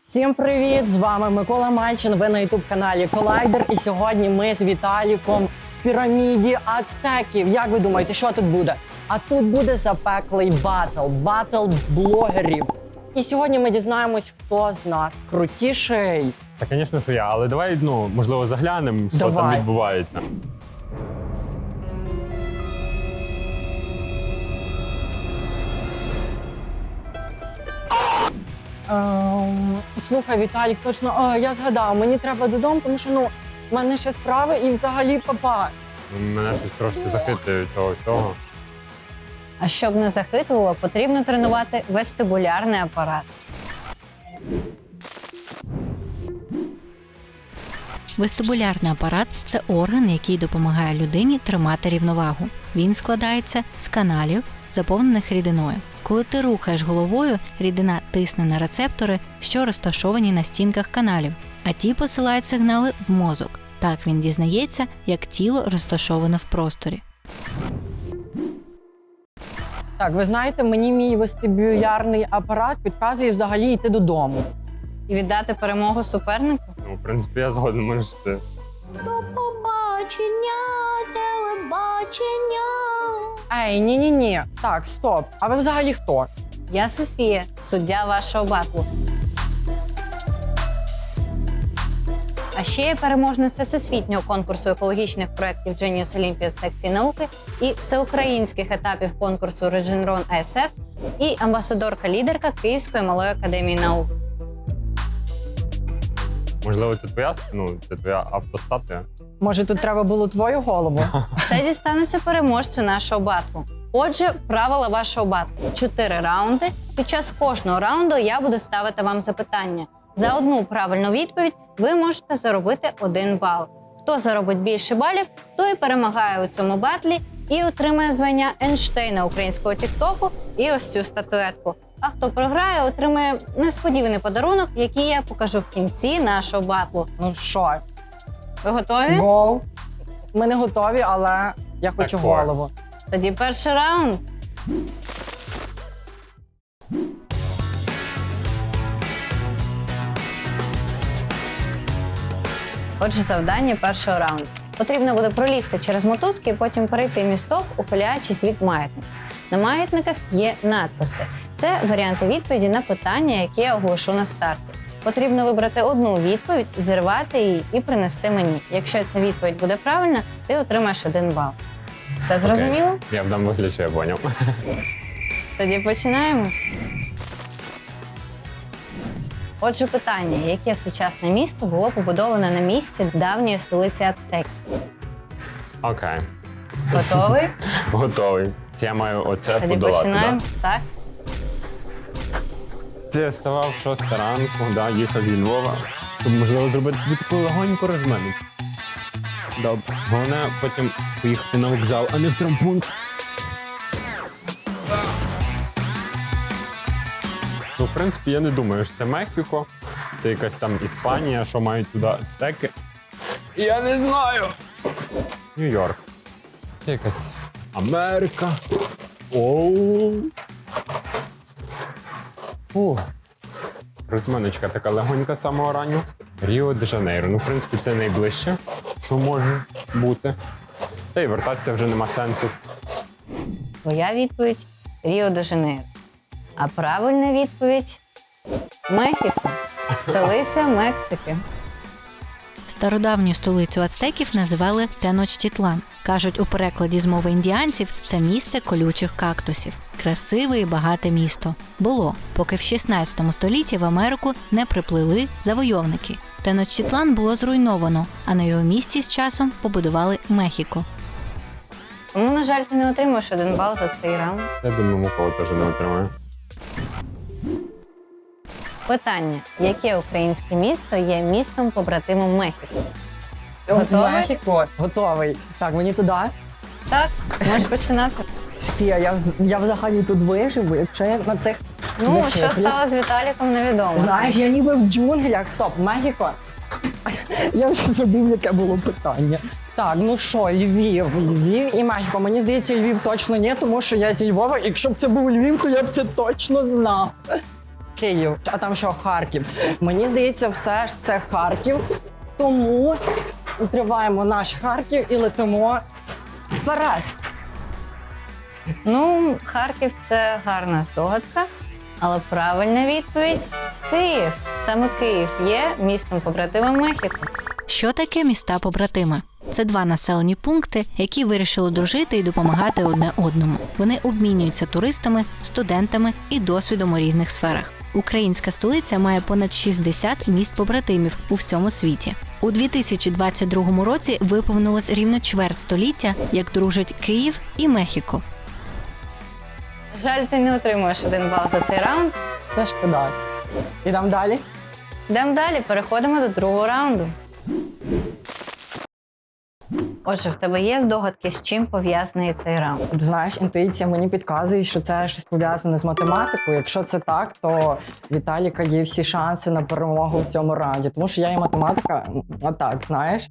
Всім привіт! З вами Микола Мальчин, ви на ютуб-каналі Колайдер. І сьогодні ми з Віталіком в піраміді ацтеків. Як ви думаєте, що тут буде? А тут буде запеклий батл блогерів. І сьогодні ми дізнаємось, хто з нас крутіший. Та, звісно, що я, але давай, можливо, заглянемо, що там відбувається. Слухай, Віталік, точно, я згадав, мені треба додому, тому що, в мене ще справи і взагалі папа. Мене щось трошки захитує цього всього. А щоб не захитувало, потрібно тренувати вестибулярний апарат. Вестибулярний апарат – це орган, який допомагає людині тримати рівновагу. Він складається з каналів, заповнених рідиною. Коли ти рухаєш головою, рідина тисне на рецептори, що розташовані на стінках каналів, а ті посилають сигнали в мозок. Так він дізнається, як тіло розташоване в просторі. Так, ви знаєте, мені мій вестибулярний апарат підказує взагалі йти додому. І віддати перемогу супернику? В принципі, я згоден, можеш ти. До побачення, телебачення. Ей, ні. Так, стоп. А ви взагалі хто? Я Софія, суддя вашого батлу. А ще я переможниця всесвітнього конкурсу екологічних проєктів Genius Olympia з секції науки і всеукраїнських етапів конкурсу Regeneron ASF і амбасадорка-лідерка Київської малої академії наук. Можливо, це твоя автостатуя? Може, тут треба було твою голову? Це дістанеться переможцю нашого батлу. Отже, правила вашого батлу. 4 раунди. Під час кожного раунду я буду ставити вам запитання. За одну правильну відповідь ви можете заробити 1 бал. Хто заробить більше балів, той перемагає у цьому батлі і отримає звання Ейнштейна українського тіктоку і ось цю статуетку. А хто програє, отримає несподіваний подарунок, який я покажу в кінці нашого батлу. Ну що? Ви готові? Гоу. Ми не готові, але я хочу Так, голову. Тоді перший раунд. Отже, завдання першого раунду. Потрібно буде пролізти через мотузки і потім перейти місток, ухиляючись від маятника. На маятниках є надписи. Це варіанти відповіді на питання, які я оголошу на старті. Потрібно вибрати одну відповідь, зірвати її і принести мені. Якщо ця відповідь буде правильна, ти отримаєш 1 бал. Все зрозуміло? Окей. Я вдам вигляд, що я поняв. Тоді починаємо. Отже, питання. Яке сучасне місто було побудоване на місці давньої столиці ацтеків? Окей. Готовий? Готовий. Це я маю оце Тоді подолати, починаємо. да? Так. Це я ставав 6 ранку, їхав зі Львова, щоб, можливо, зробити собі таку легоньку розминочку. Добре. Головне потім поїхати на вокзал, а не в травмпункт. В принципі, я не думаю, що це Мехіко, це якась там Іспанія, що мають туди ацтеки. Я не знаю. Нью-Йорк. Це якась Америка. Оу. Розминочка така легонька з самого раннього. Ріо-де-Жанейро. В принципі, це найближче, що може бути. Та й вертатися вже нема сенсу. Твоя відповідь – Ріо-де-Жанейро. А правильна відповідь – Мехіко. Столиця Мексики. Стародавню столицю ацтеків називали Теночтітлан. Кажуть, у перекладі з мови індіанців це місце колючих кактусів. Красиве і багате місто. Було, поки в 16 столітті в Америку не приплили завойовники. Теночтітлан було зруйновано, а на його місці з часом побудували Мехіко. Тому, на жаль, ти не отримаєш 1 бал за цей раунд. Я думаю, Микола теж не отримає. Питання. Яке українське місто є містом-побратимом Мехіко? Готовий? Мехіко. Готовий. Так, мені туди. Так, можеш починати. Софія, я взагалі тут виживу, якщо я на цих... Ну, що захиплюсь. стало з Віталіком, невідомо. Знаєш, я ніби в джунглях. Стоп, Мехіко. Я вже забув, яке було питання. Так, ну що, Львів і Мехіко. Мені здається, Львів точно ні, тому що я зі Львова. Якщо б це був Львів, то я б це точно знав. Київ. А там що, Харків? Мені здається, все ж це Харків. Тому зриваємо наш Харків і летимо вперед. Ну, Харків це гарна здогадка, але правильна відповідь Київ. Саме Київ є містом побратимом Мехіко. Що таке міста побратими? Це два населені пункти, які вирішили дружити і допомагати одне одному. Вони обмінюються туристами, студентами і досвідом у різних сферах. Українська столиця має понад 60 міст побратимів у всьому світі. У 2022 році виповнилось рівно чверть століття, як дружать Київ і Мехіко. Жаль, ти не отримуєш 1 бал за цей раунд. Це шкода. Ідемо далі. Йдемо далі, переходимо до другого раунду. Отже, в тебе є здогадки, з чим пов'язаний цей раунд? От знаєш, інтуїція мені підказує, що це щось пов'язане з математикою. Якщо це так, то Віталіка є всі шанси на перемогу в цьому раунді. Тому що я і математика, а так, знаєш.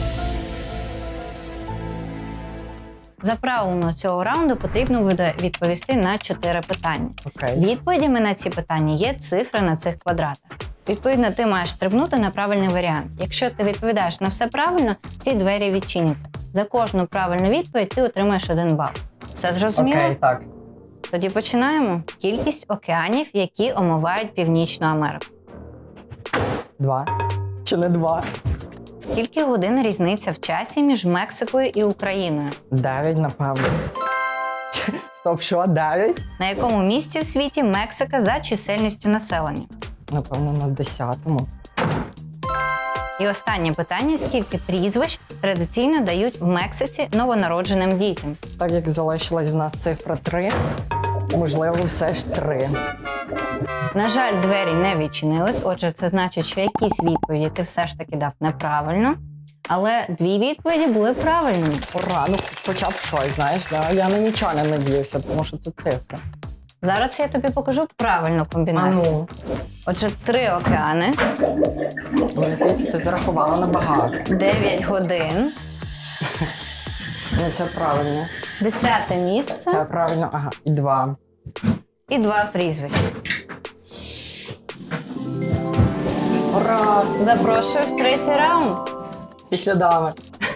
За правилами цього раунду потрібно буде відповісти на 4 питання. Окей. Відповідями на ці питання є цифри на цих квадратах. Відповідно, ти маєш стрибнути на правильний варіант. Якщо ти відповідаєш на все правильно, ці двері відчиняться. За кожну правильну відповідь ти отримаєш 1 бал. Все зрозуміло? Окей, так. Тоді починаємо. Кількість океанів, які омивають Північну Америку. 2. Чи не 2? Скільки годин різниця в часі між Мексикою і Україною? 9, напевно. Стоп, що? 9? На якому місці в світі Мексика за чисельністю населення? Напевно, на 10-му. І останнє питання: скільки прізвищ традиційно дають в Мексиці новонародженим дітям? Так як залишилась в нас цифра 3, можливо, все ж 3. На жаль, двері не відчинились, отже, це значить, що якісь відповіді ти все ж таки дав неправильно. Але 2 відповіді були правильними. Ура, ну хоча б щось, знаєш, я на нічого не надіявся, тому що це цифра. Зараз я тобі покажу правильну А комбінацію. ну, Отже, 3 океани, мені здається, ти зарахувала набагато. 9 годин, Ну, це правильно. 10 місце Це правильно, ага, і 2. і 2 прізвища. Ура! Запрошую в 3-й раунд. Після дами.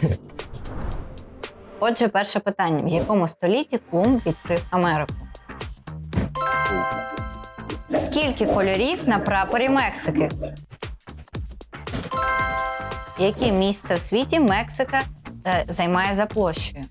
Отже, перше питання. В якому столітті Колумб відкрив Америку? Скільки кольорів на прапорі Мексики? Яке місце в світі Мексика займає за площею?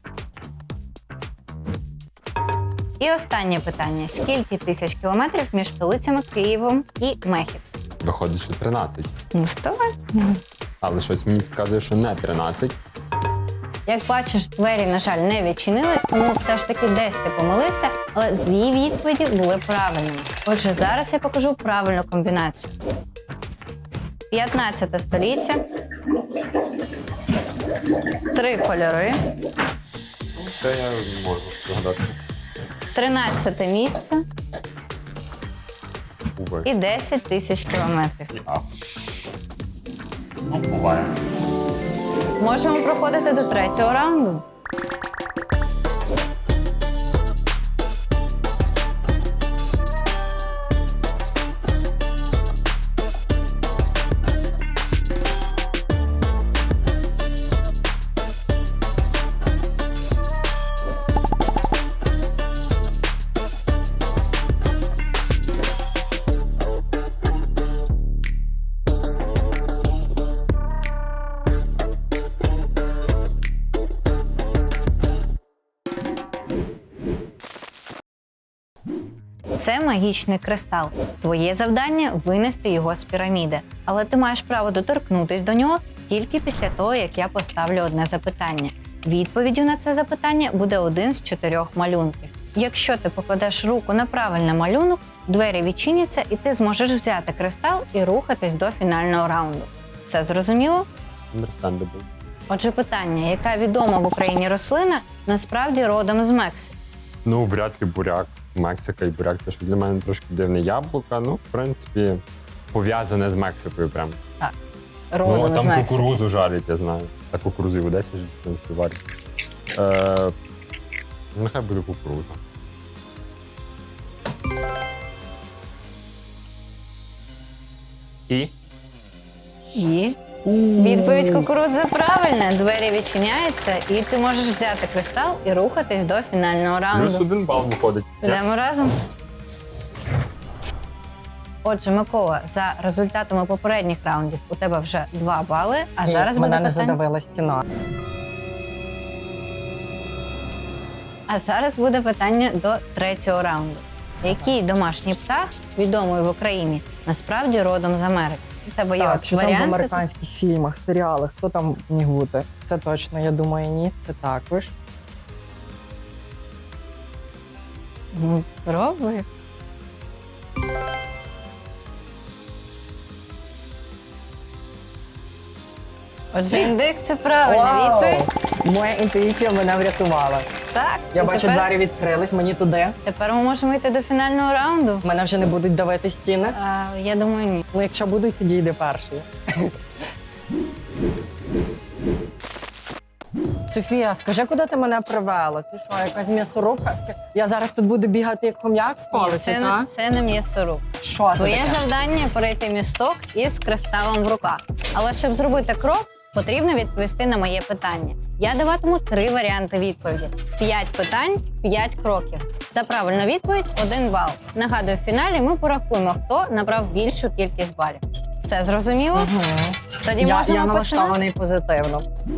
І останнє питання. Скільки тисяч кілометрів між столицями Києвом і Мехіко? Виходить, що 13. Ну, вставай. Але щось мені підказує, що не 13. Як бачиш, двері, на жаль, не відчинились, тому все ж таки десь ти помилився, але 2 відповіді були правильними. Отже, зараз я покажу правильну комбінацію. 15 століття, 3 кольори, Це я можу згадати. 13 місце Уве. і 10 тисяч кілометрів. Ну, буває. Можемо проходити до 3-го раунду. Це магічний кристал. Твоє завдання – винести його з піраміди. Але ти маєш право доторкнутись до нього тільки після того, як я поставлю одне запитання. Відповіддю на це запитання буде 1 з 4 малюнків. Якщо ти покладеш руку на правильний малюнок, двері відчиняться і ти зможеш взяти кристал і рухатись до фінального раунду. Все зрозуміло? Understandable. Отже, питання, яка відома в Україні рослина, насправді родом з Мексики? Ну, вряд ли буряк. Мексика і буряк – це щось для мене трошки дивне. Яблука, ну, в принципі, пов'язане з Мексикою прям. Родом Ну, з там Мексики. кукурузу жарять, я знаю. Та кукурузи в Одесі ж, в принципі, варять. Нехай буде кукуруза. І? І відповідь кукурудза правильна. Двері відчиняються, і ти можеш взяти кристал і рухатись до фінального раунду. Плюс 1 бал виходить. Йдемо разом. Отже, Микола, за результатами попередніх раундів у тебе вже 2 бали, а зараз буде мене не питання. задавила стіна. А зараз буде питання до 3-го раунду. Який домашній птах, відомий в Україні, насправді родом з Америки? У тебе є Так, що там в варіанти? американських фільмах, серіалах, хто там міг бути? Це точно, я думаю, ні. Це також. Ну, пробуй. Отже, індик – це правильна відповідь. Моя інтуїція мене врятувала. Так. Я і бачу, тепер, двері відкрились, мені туди. тепер ми можемо йти до фінального раунду. Мене вже не будуть давити стіни. Я думаю, ні. Ну, якщо будуть, тоді йди перший. Софія, скажи, куди ти мене привела? Це що, якась м'ясорубка? Я зараз тут буду бігати як хом'як в Ні, колесі, це, так? не, це не м'ясоруб. Що це Твоє таке? завдання – перейти місток із кристалом в руках. Але щоб зробити крок, потрібно відповісти на моє питання. Я даватиму 3 варіанти відповіді. 5 питань, 5 кроків. За правильну відповідь – 1 бал. Нагадую, в фіналі ми порахуємо, хто набрав більшу кількість балів. Все зрозуміло? Тоді Я можемо починати. налаштований позитивно.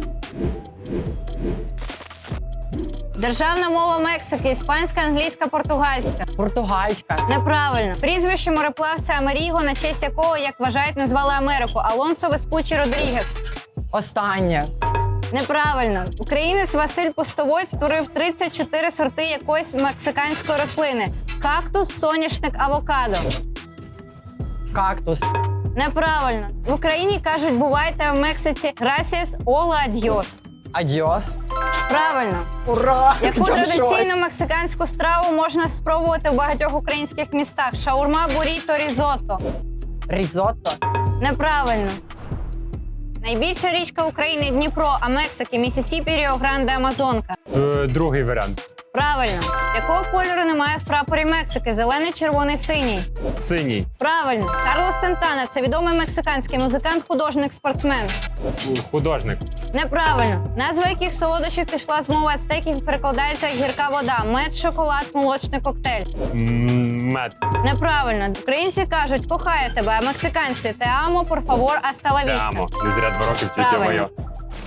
Державна мова Мексики – іспанська, англійська, португальська. Португальська. Неправильно. Прізвище мореплавця Амеріго, на честь якого, як вважають, назвали Америку. Алонсо Веспуччі Родрігес. Останнє. Неправильно. Українець Василь Пустовой створив 34 сорти якоїсь мексиканської рослини. Кактус, соняшник, авокадо. Кактус. Неправильно. В Україні кажуть, бувайте, а в Мексиці gracias, hola, adios. Адіос. Правильно. Ура! Яку Я в шоці. традиційну мексиканську страву можна спробувати в багатьох українських містах? Шаурма, буріто, різотто. Різотто. Неправильно. Найбільша річка України – Дніпро, а Мексики – Місісіпі, Ріо-Гранде, Амазонка. Другий варіант. Правильно. Якого кольору немає в прапорі Мексики? Зелений, червоний, синій. Синій. Правильно. Карлос Сантана – це відомий мексиканський музикант, художник, спортсмен. Художник. Неправильно. Назва яких солодощів пішла з мови ацтеків перекладається як гірка вода. Мед, шоколад, молочний коктейль. Мед. Неправильно. Українці кажуть, кохаю тебе, а мексиканці – те амо, por favor, hasta la vista. Прямо. Не зря 2 роки вчився Правильно. моє.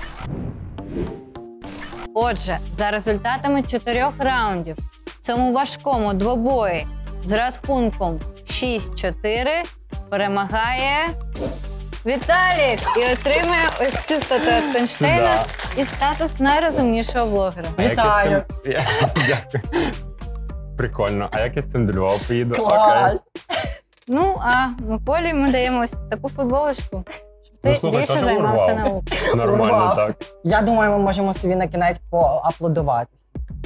Отже, за результатами 4 раундів в цьому важкому двобої з рахунком 6-4 перемагає Віталік і отримує ось цю статуетку Ейнштейна і статус найрозумнішого блогера. А як я з Вітаю. цим- Дякую. Прикольно. А як я з цим до Львова поїду? Клас. Ну, а Миколі ми даємо ось таку футболочку, щоб ти Ну, слухай, більше теж займався урвав. наукою. Нормально Урвав. так. Я думаю, ми можемо собі на кінець поаплодуватись.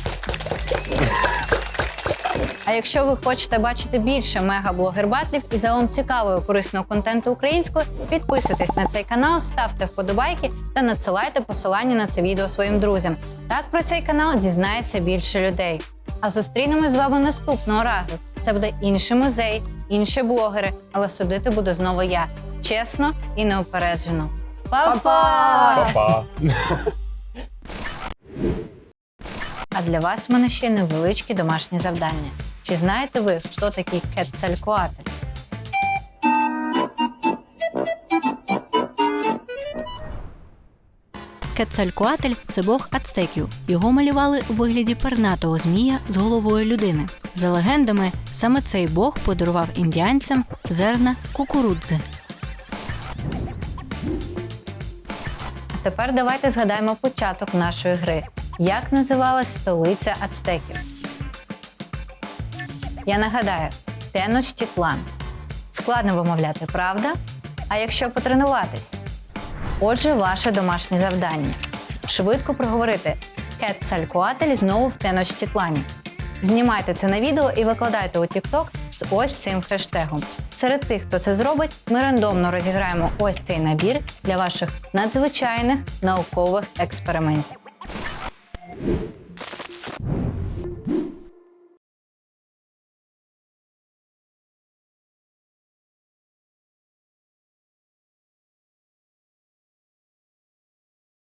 А якщо ви хочете бачити більше мега-блогер-батлів і загалом цікавого і корисного контенту українською, підписуйтесь на цей канал, ставте вподобайки та надсилайте посилання на це відео своїм друзям. Так про цей канал дізнається більше людей. А зустрінемось з вами наступного разу. Це буде інший музей, інші блогери, але судити буду знову я. Чесно і неупереджено. Па-па! Па-па. А для вас в мене ще невеличкі домашні завдання. Чи знаєте ви, хто такий Кецалькоатль? Кецалькоатль – це бог ацтеків. Його малювали у вигляді пернатого змія з головою людини. За легендами, саме цей бог подарував індіанцям зерна кукурудзи. Тепер давайте згадаємо початок нашої гри. Як називалась столиця ацтеків? Я нагадаю, Теночтітлан. Складно вимовляти, правда? А якщо потренуватись? Отже, ваше домашнє завдання. Швидко проговорити Кецалькоатль знову в Теночтітлані. Знімайте це на відео і викладайте у TikTok з ось цим хештегом. Серед тих, хто це зробить, ми рандомно розіграємо ось цей набір для ваших надзвичайних наукових експериментів.